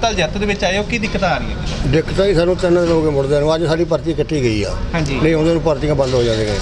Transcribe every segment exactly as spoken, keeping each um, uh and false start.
ਹਸਪਤਾਲ ਜੱਤ ਦੇ ਵਿੱਚ ਆਏ ਹੋ, ਕੀ ਦਿੱਕਤ ਆ ਰਹੀ ਹੈ? ਦਿੱਕਤ ਹੀ ਸਾਨੂੰ ਤਿੰਨ ਦਿਨ ਹੋ ਗਏ ਮੁੜਦੇ ਨੂੰ। ਅੱਜ ਸਾਡੀ ਪਰਚੀ ਕੱਟੀ ਗਈ ਆ। ਹਾਂਜੀ। ਨਹੀਂ ਆਉਂਦੇ ਨੂੰ ਪਰਚੀਆਂ ਬੰਦ ਹੋ ਜਾਂਦੀਆਂ।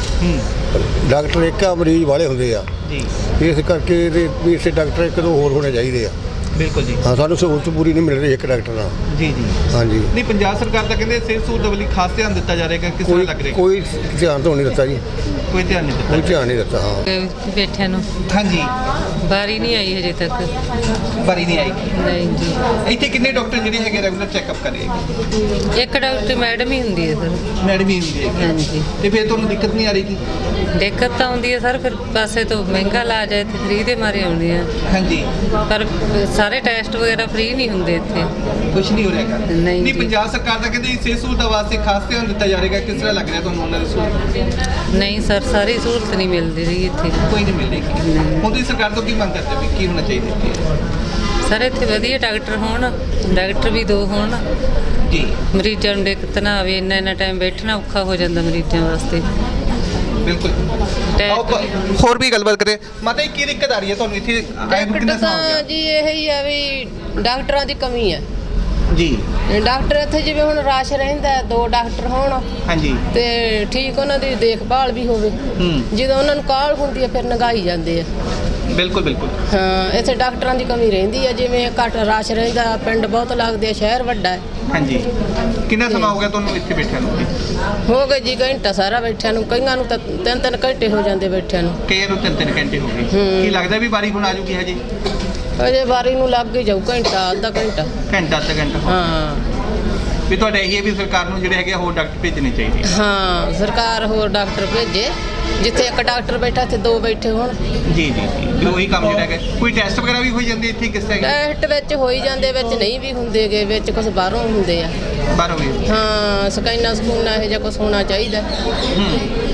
ਹੂੰ ਡਾਕਟਰ ਇੱਕ ਆ, ਮਰੀਜ਼ ਵਾਲੇ ਹੁੰਦੇ ਆ ਜੀ, ਇਸ ਕਰਕੇ ਇਹਦੇ ਵੀ ਇਸੇ ਡਾਕਟਰ ਇੱਕ ਦੋ ਹੋਰ ਹੋਣੇ ਚਾਹੀਦੇ ਆ। ਬਿਲਕੁਲ ਜੀ। ਹਾਂ, ਸਾਨੂੰ ਸਹੂਲਤ ਪੂਰੀ ਨਹੀਂ ਮਿਲ ਰਹੀ ਇੱਕ ਡਾਕਟਰ ਨਾਲ। ਜੀ ਜੀ ਹਾਂਜੀ। ਨਹੀਂ, ਪੰਜਾਬ ਸਰਕਾਰ ਤਾਂ ਕਹਿੰਦੇ ਸਿਹਤ ਸਹੂਲਤ ਵੱਲ ਖਾਸ ਧਿਆਨ ਦਿੱਤਾ ਜਾ ਰਿਹਾ, ਕਿਸ ਤਰ੍ਹਾਂ ਲੱਗ ਰਿਹਾ? ਕੋਈ ਧਿਆਨ ਤਾਂ ਨਹੀਂ ਦਿੱਤਾ ਜੀ, ਕੋਈ ਧਿਆਨ ਨਹੀਂ ਕੋਈ ਦਿੱਤਾ। ਧਿਆਨ ਨਹੀਂ ਦਿੱਤਾ। ਹਾਂ, ਬੈਠਿਆਂ ਨੂੰ ਹਾਂਜੀ, ਵਾਰੀ ਨਹੀਂ ਆਈ ਹਜੇ ਤੱਕ। ਬਾਰੀ ਨਹੀਂ ਆਈ। ਨਹੀਂ ਜੀ, ਇੱਥੇ ਕਿੰਨੇ ਡਾਕਟਰ ਜਿਹੜੇ ਹੈਗੇ ਰੈਗੂਲਰ ਚੈੱਕਅਪ ਕਰ ਰਹੇ ਹੈਗੇ? ਇੱਕ ਡਾਕਟਰ ਮੈਡਮ ਹੀ ਹੁੰਦੀ ਹੈ ਸਰ। ਮੈਡਮ ਹੀ ਹੁੰਦੀ ਹੈ। ਹਾਂਜੀ। ਤੇ ਫਿਰ ਤੁਹਾਨੂੰ ਦਿੱਕਤ ਨਹੀਂ ਆ ਰਹੀ? ਕੀ ਦਿੱਕਤ ਤਾਂ ਆਉਂਦੀ ਹੈ ਸਰ, ਫਿਰ ਪਾਸੇ ਤੋਂ ਮਹਿੰਗਾ ਇਲਾਜ ਹੈ, ਇੱਥੇ ਫ੍ਰੀ ਦੇ ਮਾਰੇ ਆਉਂਦੇ ਆ, ਹਾਂਜੀ, ਪਰ ਸਾਰੇ ਟੈਸਟ ਵਗੈਰਾ ਫ੍ਰੀ ਨਹੀਂ ਹੁੰਦੇ ਇੱਥੇ। ਕੁਝ ਨਹੀਂ ਹੋ ਰਿਹਾ? ਨਹੀਂ ਨਹੀਂ, ਜੀ। ਪੰਜਾਬ ਸਰਕਾਰ ਤਾਂ ਕਹਿੰਦੇ ਸਿਹਤ ਸਹੂਲਤਾਂ ਵਾਸਤੇ ਖਾਸ ਧਿਆਨ ਦਿੱਤਾ ਜਾ ਰਿਹਾ, ਕਿਸ ਤਰ੍ਹਾਂ ਲੱਗ ਰਿਹਾ ਤੁਹਾਨੂੰ ਉਹਨਾਂ ਦੀ ਸਹੂਲਤ? ਨਹੀਂ ਸਰ, ਸਾਰੀ ਸਹੂਲਤ ਨਹੀਂ ਮਿਲਦੀ ਰਹੀ ਇੱਥੇ। ਕੋਈ ਨਹੀਂ ਮਿਲ ਰਹੀ। ਹੁਣ ਤੁਸੀਂ ਸਰਕਾਰ ਤੋਂ ਕੀ ਮੰਗ ਕਰਦੇ ਹੋ ਵੀ ਕੀ ਹੋਣਾ ਚਾਹੀਦਾ ਇੱਥੇ? ਸਰ ਇੱਥੇ ਵਧੀਆ ਡਾਕਟਰ ਹੋਣ, ਡਾਕਟਰ ਵੀ ਦੋ ਹੋਣ ਜੀ, ਮਰੀਜ਼ਾਂ ਨੂੰ ਦਿੱਕਤ ਨਾ ਆਵੇ। ਇੰਨਾ ਇੰਨਾ ਟਾਈਮ ਬੈਠਣਾ ਔਖਾ ਹੋ ਜਾਂਦਾ ਮਰੀਜ਼ਾਂ ਵਾਸਤੇ। ਬਿਲਕੁਲ। ਆਓ ਆਪਾਂ ਹੋਰ ਵੀ ਗੱਲਬਾਤ ਕਰੇ। ਮਾਤਾ ਜੀ, ਕੀ ਦਿੱਕਤ ਆ ਰਹੀ ਹੈ ਤੁਹਾਨੂੰ ਇੱਥੇ ਆਏ ਨੂੰ ਕਿੰਨਾ ਸਮਾਂ ਹੋ ਗਿਆ? ਤਾਂ ਜੀ ਇਹ ਹੀ ਆ ਵੀ ਡਾਕਟਰਾਂ ਦੀ ਕਮੀ ਹੈ ਜੀ। ਡਾਕਟਰ ਇੱਥੇ ਜਿਵੇਂ ਹੁਣ ਰਸ਼ ਰਹਿੰਦਾ, ਦੋ ਡਾਕਟਰ ਹੋਣ ਹਾਂਜੀ। ਤੇ ਠੀਕ ਉਹਨਾਂ ਦੀ ਦੇਖਭਾਲ ਵੀ ਹੋਵੇ। ਹੂੰ, ਜਦੋਂ ਉਹਨਾਂ ਨੂੰ ਕਾਹਲ ਹੁੰਦੀ ਹੈ ਫਿਰ ਨਗਾਈ ਜਾਂਦੇ ਆ। ਬਿਲਕੁਲ ਬਿਲਕੁਲ। ਹਾਂ, ਇੱਥੇ ਡਾਕਟਰਾਂ ਦੀ ਕਮੀ ਰਹਿੰਦੀ ਹੈ। ਜਿਵੇਂ ਘੱਟ ਰਸ਼ ਰਹਿੰਦਾ, ਪਿੰਡ ਬਹੁਤ ਲੱਗਦੇ ਆ, ਸ਼ਹਿਰ ਵੱਡਾ ਹੈ। ਹਾਂਜੀ। ਕਿੰਨਾ ਸਮਾਂ ਹੋ ਗਿਆ ਤੁਹਾਨੂੰ ਇੱਥੇ ਬੈਠਿਆਂ ਨੂੰ? ਹੋ ਗਏ ਜੀ ਘੰਟਾ ਸਾਰਾ ਬੈਠਿਆਂ ਨੂੰ, ਕਈਆਂ ਨੂੰ ਤਾਂ ਤਿੰਨ ਤਿੰਨ ਘੰਟੇ ਹੋ ਜਾਂਦੇ ਬੈਠਿਆਂ ਨੂੰ। ਕਈ ਨੂੰ ਤਿੰਨ ਤਿੰਨ ਘੰਟੇ ਹੋ ਗਏ। ਹੂੰ। ਕੀ ਲੱਗਦਾ ਵੀ ਵਾਰੀ ਹੁਣ ਆ ਜੂਗੀ ਹਜੇ? ਅਜੇ ਵਾਰੀ ਨੂੰ ਲੱਗ ਹੀ ਜਾਊ ਘੰਟਾ, ਅੱਧਾ ਘੰਟਾ। ਘੰਟਾ ਅੱਧਾ ਘੰਟਾ। ਹਾਂ ਵੀ ਤੁਹਾਡਾ ਇਹੀ ਹੈ ਵੀ ਸਰਕਾਰ ਨੂੰ ਜਿਹੜੇ ਹੈਗੇ ਹੋਰ ਡਾਕਟਰ ਭੇਜਣੇ ਚਾਹੀਦੇ? ਹਾਂ, ਸਰਕਾਰ ਹੋਰ ਡਾਕਟਰ ਭੇਜੇ। ਜਿੱਥੇ ਇੱਕ ਡਾਕਟਰ ਬੈਠਾ ਇੱਥੇ ਦੋ ਬੈਠੇ ਹੋਣ। ਜੀ ਜੀ ਜੀ, ਵੀ ਉਹੀ ਕੰਮ ਜਿਹੜਾ ਹੈਗਾ। ਕੋਈ ਟੈਸਟ ਵਗੈਰਾ ਵੀ ਹੋਈ ਜਾਂਦੇ ਇੱਥੇ ਕਿਸ ਤਰ੍ਹਾਂ? ਟੈਸਟ ਵਿੱਚ ਹੋਈ ਜਾਂਦੇ, ਵਿੱਚ ਨਹੀਂ ਵੀ ਹੁੰਦੇਗੇ, ਵਿੱਚ ਕੁਝ ਬਾਹਰੋਂ ਹੁੰਦੇ ਆ। ਬਾਹਰੋਂ ਵੀ? ਹਾਂ, ਸਕੈਨਾ ਸਕੂਨਾ ਇਹੋ ਜਿਹਾ ਕੁਝ ਹੋਣਾ ਚਾਹੀਦਾ। ਹੂੰ।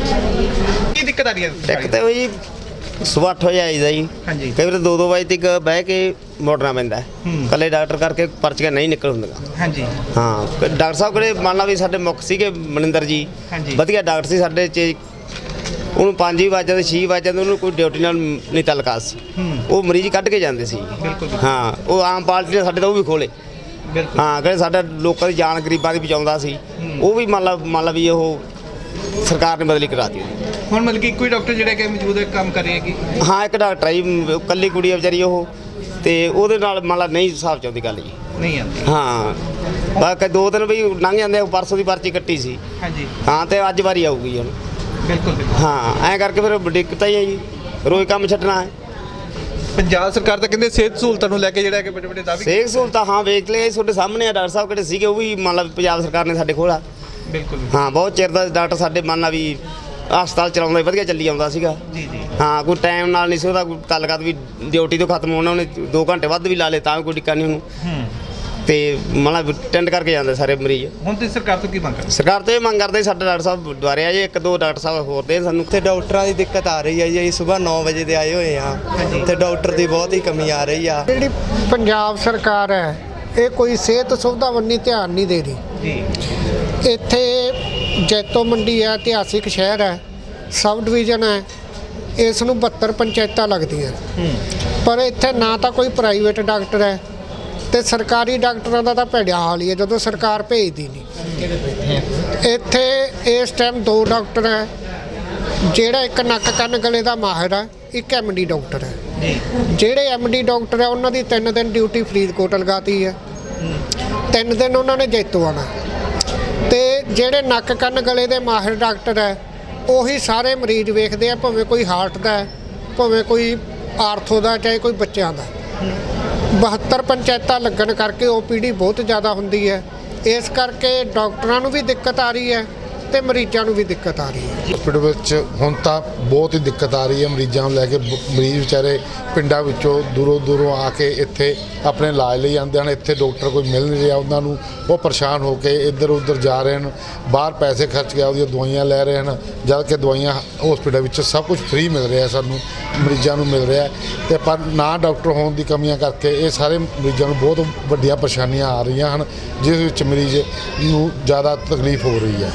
ਕੀ ਦਿੱਕਤ ਆ ਰਹੀ ਹੈ? ਇੱਕ ਤਾਂ ਉਹ ਜੀ ਸੁਬਹ ਅੱਠ ਵਜੇ ਆਈਦਾ ਜੀ। ਹਾਂਜੀ। ਕਈ ਵਾਰ ਦੋ ਦੋ ਵਜੇ ਤੱਕ ਬਹਿ ਕੇ ਮੋੜਨਾ ਪੈਂਦਾ। ਹੂੰ। ਇਕੱਲੇ ਡਾਕਟਰ ਕਰਕੇ ਪਰਚੀਆਂ ਨਹੀਂ ਨਿਕਲ ਹੁੰਦੀਆਂ। ਹਾਂਜੀ। ਹਾਂ, ਡਾਕਟਰ ਸਾਹਿਬ ਕੋਲੇ ਮੰਨ ਲਾ ਵੀ ਸਾਡੇ ਮੁੱਖ ਸੀਗੇ ਮਨਿੰਦਰ ਜੀ। ਹਾਂਜੀ। ਵਧੀਆ ਡਾਕਟਰ ਸੀ ਸਾਡੇ 'ਚ। ਉਹਨੂੰ ਪੰਜ ਹੀ ਵੱਜ ਜਾਂਦੇ, ਛੇ ਵੱਜ ਜਾਂਦੇ, ਉਹਨੂੰ ਕੋਈ ਡਿਊਟੀ ਨਾਲ ਨਹੀਂ ਤਲਕਾ ਸੀ। ਹੂੰ। ਉਹ ਮਰੀਜ਼ ਕੱਢ ਕੇ ਜਾਂਦੇ ਸੀ। ਬਿਲਕੁਲ। ਹਾਂ, ਉਹ ਆਮ ਪਾਰਟੀ ਨੇ ਸਾਡੇ ਤਾਂ ਉਹ ਵੀ ਖੋਲੇ। ਬਿਲਕੁਲ। ਹਾਂ, ਕਹਿੰਦੇ ਸਾਡਾ ਲੋਕਾਂ ਦੀ ਜਾਨ ਗਰੀਬਾਂ ਦੀ ਬਚਾਉਂਦਾ ਸੀ। ਹੂੰ। ਉਹ ਵੀ ਮੰਨ ਲਾ ਮੰਨ ਲਾ ਵੀ ਉਹ ਸਰਕਾਰ ਨੇ ਬਦਲੀ ਕਰਾ ਦਿੱਤੀ। ਹੁਣ ਮਤਲਬ ਕਿ ਇੱਕੋ ਹੀ ਡਾਕਟਰ ਜਿਹੜਾ ਕਿ ਮੌਜੂਦ ਹੈ ਕੰਮ ਕਰ ਰਿਹਾ ਹੈ? ਕਿ ਹਾਂ, ਇੱਕ ਡਾਕਟਰ ਹੈ ਜੀ, ਇਕੱਲੀ ਕੁੜੀ ਆ ਵਿਚਾਰੀ ਉਹ, ਤੇ ਉਹਦੇ ਨਾਲ ਮੰਨ ਲਾ ਨਹੀਂ ਹਿਸਾਬ 'ਚ ਆਉਂਦੀ ਗੱਲ ਜੀ। ਨਹੀਂ ਆਉਂਦੀ? ਹਾਂ, ਬਾਕੀ ਦੋ ਦਿਨ ਵੀ ਲੰਘ ਜਾਂਦੇ, ਪਰਸੋਂ ਦੀ ਪਰਚੀ ਕੱਟੀ ਸੀ। ਹਾਂਜੀ। ਹਾਂ, ਤੇ ਅੱਜ ਵਾਰੀ ਆਊਗੀ ਹੁਣ। ਬਿਲਕੁਲ ਬਿਲਕੁਲ। ਹਾਂ, ਐਂ ਕਰਕੇ ਫਿਰ ਦਿੱਕਤ ਹੀ ਹੈ ਜੀ, ਰੋਜ਼ ਕੰਮ ਛੱਡਣਾ ਹੈ। ਪੰਜਾਬ ਸਰਕਾਰ ਤਾਂ ਕਹਿੰਦੇ ਸਿਹਤ ਸਹੂਲਤਾਂ ਨੂੰ ਲੈ ਕੇ ਜਿਹੜਾ ਕਿ ਵੱਡੇ ਵੱਡੇ ਦਾਅਵੇ। ਸਿਹਤ ਸਹੂਲਤਾਂ ਹਾਂ ਵੇਖ ਲਏ ਤੁਹਾਡੇ ਸਾਹਮਣੇ ਆ। ਡਾਕਟਰ ਸਾਹਿਬ ਕਿਹੜੇ ਸੀਗੇ ਉਹ ਵੀ ਮੰਨ ਲਾ ਪੰਜਾਬ ਸਰਕਾਰ ਨੇ ਸਾਡੇ ਕੋਲ ਆ। ਬਿਲਕੁਲ। ਹਾਂ, ਬਹੁਤ ਚਿਰ ਦਾ ਡਾਕਟਰ ਸਾਡੇ ਮੰਨ ਲਾ ਵੀ ਹਸਪਤਾਲ ਚਲਾਉਂਦਾ ਵਧੀਆ ਚੱਲੀ ਆਉਂਦਾ ਸੀਗਾ। ਜੀ ਜੀ। ਹਾਂ, ਕੋਈ ਟਾਈਮ ਨਾਲ ਨਹੀਂ ਸੀ ਉਹਦਾ ਕੋਈ ਤਾਲੁਕਾਤ ਵੀ ਡਿਊਟੀ ਤੋਂ ਖਤਮ ਹੋਣਾ, ਉਹਨੇ ਦੋ ਘੰਟੇ ਵੱਧ ਵੀ ਲਾ ਲਏ ਤਾਂ ਵੀ ਕੋਈ ਟਿੱਕਾ ਨਹੀਂ ਉਹਨੂੰ। ਹੂੰ। ਤੇ ਮਤਲਬ ਟੈਂਡ ਕਰਕੇ ਜਾਂਦੇ ਸਾਰੇ ਮਰੀਜ਼। ਹੁਣ ਤੁਸੀਂ ਸਰਕਾਰ ਤੋਂ ਕੀ ਮੰਗ ਕਰਦੇ? ਸਰਕਾਰ ਤੋਂ ਇਹ ਮੰਗ ਕਰਦੇ ਸਾਡੇ ਡਾਕਟਰ ਸਾਹਿਬ ਦੁਆਰੇ ਆ ਜੀ, ਇੱਕ ਦੋ ਡਾਕਟਰ ਸਾਹਿਬ ਹੋਰ ਦੇ ਸਾਨੂੰ। ਇੱਥੇ ਡਾਕਟਰਾਂ ਦੀ ਦਿੱਕਤ ਆ ਰਹੀ ਹੈ ਜੀ। ਅਸੀਂ ਸਵੇਰ ਨੌ ਵਜੇ ਦੇ ਆਏ ਹੋਏ ਆ ਤੇ ਡਾਕਟਰ ਦੀ ਬਹੁਤ ਹੀ ਕਮੀ ਆ ਰਹੀ ਆ। ਜਿਹੜੀ ਪੰਜਾਬ ਸਰਕਾਰ ਹੈ ਇਹ ਕੋਈ ਸਿਹਤ ਸੁਵਿਧਾ ਵੱਲ ਧਿਆਨ ਨਹੀਂ ਦੇ ਰਹੀ ਜੀ। ਇੱਥੇ ਜੈਤੋ ਮੰਡੀ ਹੈ, ਇਤਿਹਾਸਿਕ ਸ਼ਹਿਰ ਹੈ, ਸਬ ਡਿਵੀਜ਼ਨ ਹੈ, ਇਸ ਨੂੰ ਬਹੱਤਰ ਪੰਚਾਇਤਾਂ ਲੱਗਦੀਆਂ। ਪਰ ਇੱਥੇ ਨਾ ਤਾਂ ਕੋਈ ਪ੍ਰਾਈਵੇਟ ਡਾਕਟਰ ਹੈ ਤੇ ਸਰਕਾਰੀ ਡਾਕਟਰਾਂ ਦਾ ਤਾਂ ਭੈੜਾ ਹਾਲ ਹੀ ਹੈ ਜਦੋਂ ਸਰਕਾਰ ਭੇਜਦੀ ਨਹੀਂ। ਇੱਥੇ ਇਸ ਟਾਈਮ ਦੋ ਡਾਕਟਰ ਹੈ, ਜਿਹੜਾ ਇੱਕ ਨੱਕ ਕੰਨ ਗਲੇ ਦਾ ਮਾਹਿਰ ਹੈ, ਇੱਕ ਐਮ ਡੀ ਡਾਕਟਰ ਹੈ। ਜਿਹੜੇ ਐਮ ਡੀ ਡਾਕਟਰ ਹੈ ਉਹਨਾਂ ਦੀ ਤਿੰਨ ਦਿਨ ਡਿਊਟੀ ਫਰੀਦਕੋਟ ਲਗਾਤੀ ਹੈ, ਤਿੰਨ ਦਿਨ ਉਹਨਾਂ ਨੇ ਜੈਤੋ ਆਉਣਾ। ਤੇ ਜਿਹੜੇ ਨੱਕ ਕੰਨ ਗਲੇ ਦੇ ਮਾਹਿਰ ਡਾਕਟਰ ਹੈ ਉਹੀ ਸਾਰੇ ਮਰੀਜ਼ ਵੇਖਦੇ ਆ, ਭਾਵੇਂ ਕੋਈ ਹਾਰਟ ਦਾ ਹੈ, ਭਾਵੇਂ ਕੋਈ ਆਰਥੋ ਦਾ, ਚਾਹੇ ਕੋਈ ਬੱਚਿਆਂ ਦਾ। ਬਹੱਤਰ ਪੰਚਾਇਤਾਂ ਲੱਗਣ ਕਰਕੇ ਓ ਪੀ ਡੀ ਬਹੁਤ ਜ਼ਿਆਦਾ ਹੁੰਦੀ ਹੈ। ਇਸ ਕਰਕੇ ਡਾਕਟਰਾਂ ਨੂੰ ਵੀ ਦਿੱਕਤ ਆ ਰਹੀ ਹੈ ਤੇ ਮਰੀਜ਼ਾਂ ਨੂੰ ਵੀ ਦਿੱਕਤ ਆ ਰਹੀ ਹੈ। ਹਸਪੀਟਲ ਵਿੱਚ ਹੁਣ ਤਾਂ ਬਹੁਤ ਹੀ ਦਿੱਕਤ ਆ ਰਹੀ ਹੈ ਮਰੀਜ਼ਾਂ ਨੂੰ ਲੈ ਕੇ। ਮਰੀਜ਼ ਵਿਚਾਰੇ ਪਿੰਡਾਂ ਵਿੱਚੋਂ ਦੂਰੋਂ ਦੂਰੋਂ ਆ ਕੇ ਇੱਥੇ ਆਪਣੇ ਇਲਾਜ ਲਈ ਆਉਂਦੇ ਹਨ। ਇੱਥੇ ਡਾਕਟਰ ਕੋਈ ਮਿਲ ਨਹੀਂ ਰਿਹਾ ਉਹਨਾਂ ਨੂੰ, ਉਹ ਪਰੇਸ਼ਾਨ ਹੋ ਕੇ ਇੱਧਰ ਉੱਧਰ ਜਾ ਰਹੇ ਹਨ, ਬਾਹਰ ਪੈਸੇ ਖਰਚ ਕੇ ਉਹਦੀਆਂ ਦਵਾਈਆਂ ਲੈ ਰਹੇ ਹਨ, ਜਦ ਕਿ ਦਵਾਈਆਂ ਹਸਪੀਟਲ ਵਿੱਚ ਸਭ ਕੁਝ ਫ੍ਰੀ ਮਿਲ ਰਿਹਾ ਸਾਨੂੰ, ਮਰੀਜ਼ਾਂ ਨੂੰ ਮਿਲ ਰਿਹਾ। ਅਤੇ ਪਰ ਨਾ ਡਾਕਟਰ ਹੋਣ ਦੀ ਕਮੀਆਂ ਕਰਕੇ ਇਹ ਸਾਰੇ ਮਰੀਜ਼ਾਂ ਨੂੰ ਬਹੁਤ ਵੱਡੀਆਂ ਪਰੇਸ਼ਾਨੀਆਂ ਆ ਰਹੀਆਂ ਹਨ, ਜਿਸ ਵਿੱਚ ਮਰੀਜ਼ ਨੂੰ ਜ਼ਿਆਦਾ ਤਕਲੀਫ ਹੋ ਰਹੀ ਹੈ। ਵਿੱਚ ਕਿੰਨੇ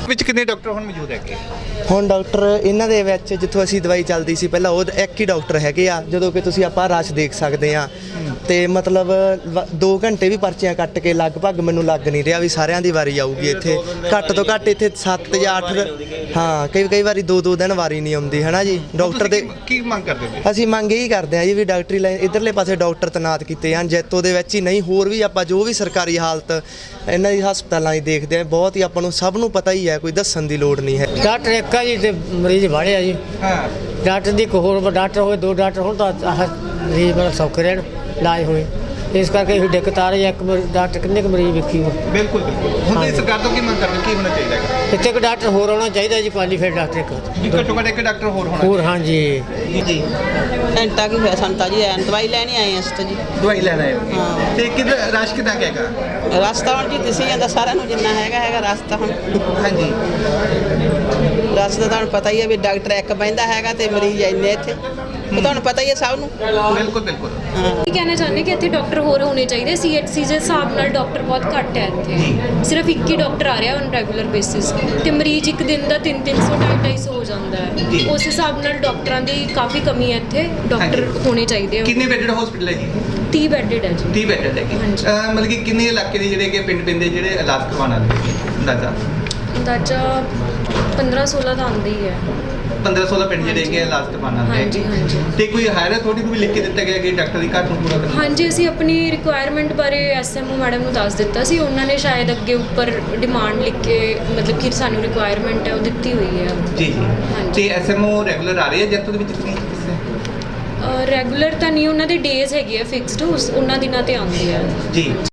ਕਿੰਨੇ ਡਾਕਟਰ ਹੁਣ ਮੌਜੂਦ ਹੈਗੇ? ਹੁਣ ਡਾਕਟਰ ਇਹਨਾਂ ਦੇ ਵਿੱਚ ਜਿੱਥੋਂ ਅਸੀਂ ਦਵਾਈ ਚੱਲਦੀ ਸੀ ਪਹਿਲਾਂ ਉਹ ਇੱਕ ਹੀ ਡਾਕਟਰ ਹੈਗੇ ਆ, ਜਦੋਂ ਕਿ ਤੁਸੀਂ ਆਪਾਂ ਰਸ਼ ਦੇਖ ਸਕਦੇ ਆ। ਤੇ ਮਤਲਬ ਦੋ ਘੰਟੇ ਵੀ ਪਰਚੀਆਂ ਕੱਟ ਕੇ ਲਗਭਗ ਮੈਨੂੰ ਲੱਗ ਨਹੀਂ ਰਿਹਾ ਵੀ ਸਾਰਿਆਂ ਦੀ ਵਾਰੀ ਆਊਗੀ ਇੱਥੇ। ਘੱਟ ਤੋਂ ਘੱਟ ਇੱਥੇ ਸੱਤ ਜਾਂ ਅੱਠ, ਹਾਂ ਕਈ ਕਈ ਵਾਰੀ ਦੋ ਦੋ ਦਿਨ ਵਾਰੀ ਨਹੀਂ ਆਉਂਦੀ ਹੈ ਨਾ ਜੀ ਡਾਕਟਰ ਦੇ। ਕੀ ਮੰਗ ਕਰਦੇ ਹੋ? ਅਸੀਂ ਮੰਗ ਇਹੀ ਕਰਦੇ ਹਾਂ ਜੀ ਵੀ ਡਾਕਟਰੀ ਲਾਈਨ ਇਧਰਲੇ ਪਾਸੇ ਡਾਕਟਰ ਤੈਨਾਤ ਕੀਤੇ ਜਾਣ ਜੈਤੋ ਦੇ ਵਿੱਚ ਹੀ, ਨਹੀਂ ਹੋਰ ਵੀ ਆਪਾਂ ਜੋ ਵੀ ਸਰਕਾਰੀ ਹਾਲਤ ਇਹਨਾਂ ਦੀ ਹਸਪਤਾਲਾਂ ਦੀ ਦੇਖਦੇ ਆ, ਬਹੁਤ ਹੀ ਆਪਾਂ ਨੂੰ ਸਭ ਨੂੰ ਪਤਾ ਹੀ ਹੈ, ਕੋਈ ਦੱਸਣ ਦੀ ਲੋੜ ਨਹੀਂ ਹੈ। ਡਾਕਟਰ ਇੱਕ ਆ ਜੀ ਤੇ ਮਰੀਜ਼ ਵਾੜੇ ਆ ਜੀ। ਹਾਂ ਡਾਕਟਰ ਦੀ ਇੱਕ ਹੋਰ ਡਾਕਟਰ ਹੋਵੇ, ਦੋ ਡਾਕਟਰ ਹੋਣ ਤਾਂ ਆਹ ਮਰੀਜ਼ ਬੜਾ ਸੌਖੇ ਰਹਿਣ ਇਲਾਜ ਹੋਏ। ਇਸ ਕਰਕੇ ਇਹ ਦਿੱਕਤ ਆ ਰਹੀ ਹੈ, ਇੱਕ ਮਰੀ- ਡਾਕਟਰ ਕਿੰਨੇ ਕੁ ਮਰੀਜ਼ ਵੇਖੀ ਹੋ। ਬਿਲਕੁਲ ਬਿਲਕੁਲ। ਹੁਣ ਤੁਸੀਂ ਸਰਕਾਰ ਤੋਂ ਕੀ ਮੰਗ ਕਰਦੇ ਹੋ? ਕੀ ਹੋਣਾ ਚਾਹੀਦਾ ਹੈ? ਇੱਥੇ ਇੱਕ ਡਾਕਟਰ ਹੋਰ ਆਉਣਾ ਚਾਹੀਦਾ ਜੀ, ਕੁਆਲੀਫਾਈਡ ਡਾਕਟਰ ਇੱਕ ਵੀ ਘੱਟੋ ਘੱਟ ਇੱਕ ਡਾਕਟਰ ਹੋਰ ਹੋਣਾ ਹੋਰ। ਹਾਂਜੀ ਜੀ ਘੰਟਾ ਕੀ ਹੋਇਆ ਸਾਨੂੰ ਤਾਂ ਜੀ ਐਨ ਦਵਾਈ ਲੈਣੀ ਆਏ ਅਸੀਂ ਤਾਂ ਜੀ। ਦਵਾਈ ਲੈਣ ਆਏ ਹੋ? ਹਾਂ। ਤੇ ਕਿੱਧਰ ਰਸ਼ ਕਿੱਦਾਂ ਕੁ ਹੈਗਾ? ਰਸਤਾ ਹੁਣ ਜੀ ਦਿਸੀ ਜਾਂਦਾ ਸਾਰਿਆਂ ਨੂੰ ਜਿੰਨਾ ਹੈਗਾ ਹੈਗਾ ਰਸਤਾ ਹੁਣ। ਹਾਂਜੀ ਰਸਤਾ ਤੁਹਾਨੂੰ ਪਤਾ ਹੀ ਹੈ ਵੀ ਡਾਕਟਰ ਇੱਕ ਬਹਿੰਦਾ ਹੈਗਾ ਤੇ ਮਰੀਜ਼ ਇੰਨੇ ਇੱਥੇ, ਉਹ ਤੁਹਾਨੂੰ ਪਤਾ ਹੀ ਹੈ ਸਭ ਨੂੰ। ਬਿਲਕੁਲ ਬਿਲਕੁਲ। ਕੀ ਕਹਿਣਾ ਚਾਹੁੰਦੇ ਕਿ ਇੱਥੇ ਡਾਕਟਰ ਹੋਰ ਹੋਣੇ ਚਾਹੀਦੇ। ਸੀਐਚਸੀ ਦੇ ਹਿਸਾਬ ਨਾਲ ਡਾਕਟਰ ਬਹੁਤ ਘੱਟ ਹੈ ਇੱਥੇ, ਸਿਰਫ ਇੱਕ ਹੀ ਡਾਕਟਰ ਆ ਰਿਹਾ ਔਨ ਰੈਗੂਲਰ ਬੇਸਿਸ ਤੇ ਮਰੀਜ਼ ਇੱਕ ਦਿਨ ਦਾ ਤਿੰਨ ਤਿੰਨ ਸੌ ਢਾਈ ਢਾਈ ਸੌ ਹੋ ਜਾਂਦਾ ਹੈ। ਉਸ ਹਿਸਾਬ ਨਾਲ ਡਾਕਟਰਾਂ ਦੀ ਕਾਫੀ ਕਮੀ ਹੈ ਇੱਥੇ, ਡਾਕਟਰ ਹੋਣੇ ਚਾਹੀਦੇ ਆ। ਕਿੰਨੇ ਬੈੱਡਡ ਹਸਪੀਟਲ ਹੈ ਜੀ? ਤੀਹ ਬੈੱਡਡ ਹੈ ਜੀ। ਤੀਹ ਬੈੱਡਡ ਹੈਗੇ। ਹਾਂਜੀ। ਅਹ ਮਤਲਬ ਕਿ ਕਿੰਨੇ ਇਲਾਕੇ ਦੇ ਜਿਹੜੇ ਕਿ ਪਿੰਡ ਪਿੰਡ ਦੇ ਜਿਹੜੇ ਇਲਾਜ ਕਰਵਾਉਣ ਵਾਲੇ ਅੰਦਾਜ਼ਾ? ਅੰਦਾਜ਼ਾ ਪੰਦਰਾਂ ਸੋਲਾਂ ਦਾ ਆਉਂਦਾ ਹੀ ਹੈ। ਪੰਦਰਾਂ ਸੋਲਾਂ ਪਿੰਡ ਜਿਹੜੇ ਹੈਗੇ ਇਲਾਜ ਕਰਵਾਉਣ ਵਾਲੇ ਹਾਂਜੀ ਹਾਂਜੀ। ਤੇ ਕੋਈ ਹਾਇਰ ਅਥਾਰਟੀ ਨੂੰ ਵੀ ਲਿਖ ਕੇ ਦਿੱਤਾ ਗਿਆ ਕਿ ਡਾਕਟਰ ਦੀ ਘਾਟ ਨੂੰ ਪੂਰਾ ਕਰਨਾ? ਹਾਂਜੀ ਅਸੀਂ ਆਪਣੀ ਰਿਕੁਆਇਰਮੈਂਟ ਬਾਰੇ ਐਸਐਮਓ ਮੈਡਮ ਨੂੰ ਦੱਸ ਦਿੱਤਾ ਸੀ, ਉਹਨਾਂ ਨੇ ਸ਼ਾਇਦ ਅੱਗੇ ਉੱਪਰ ਡਿਮਾਂਡ ਲਿਖ ਕੇ ਮਤਲਬ ਕਿ ਸਾਨੂੰ ਰਿਕੁਆਇਰਮੈਂਟ ਹੈ ਉਹ ਦਿੱਤੀ ਹੋਈ ਹੈ। ਜੀ ਜੀ। ਹਾਂਜੀ। ਤੇ ਐਸਐਮਓ ਰੈਗੂਲਰ ਆ ਰਹੇ ਆ ਜੈਤੋ ਦੇ ਵਿੱਚ ਕਿ ਕਿਸੇ? ਰੈਗੂਲਰ ਤਾਂ ਨਹੀਂ, ਉਹਨਾਂ ਦੇ ਡੇਜ਼ ਹੈਗੇ ਆ ਫਿਕਸਡ, ਉਹਨਾਂ ਦਿਨਾਂ ਤੇ ਆਉਂਦੇ ਆ। ਜੀ।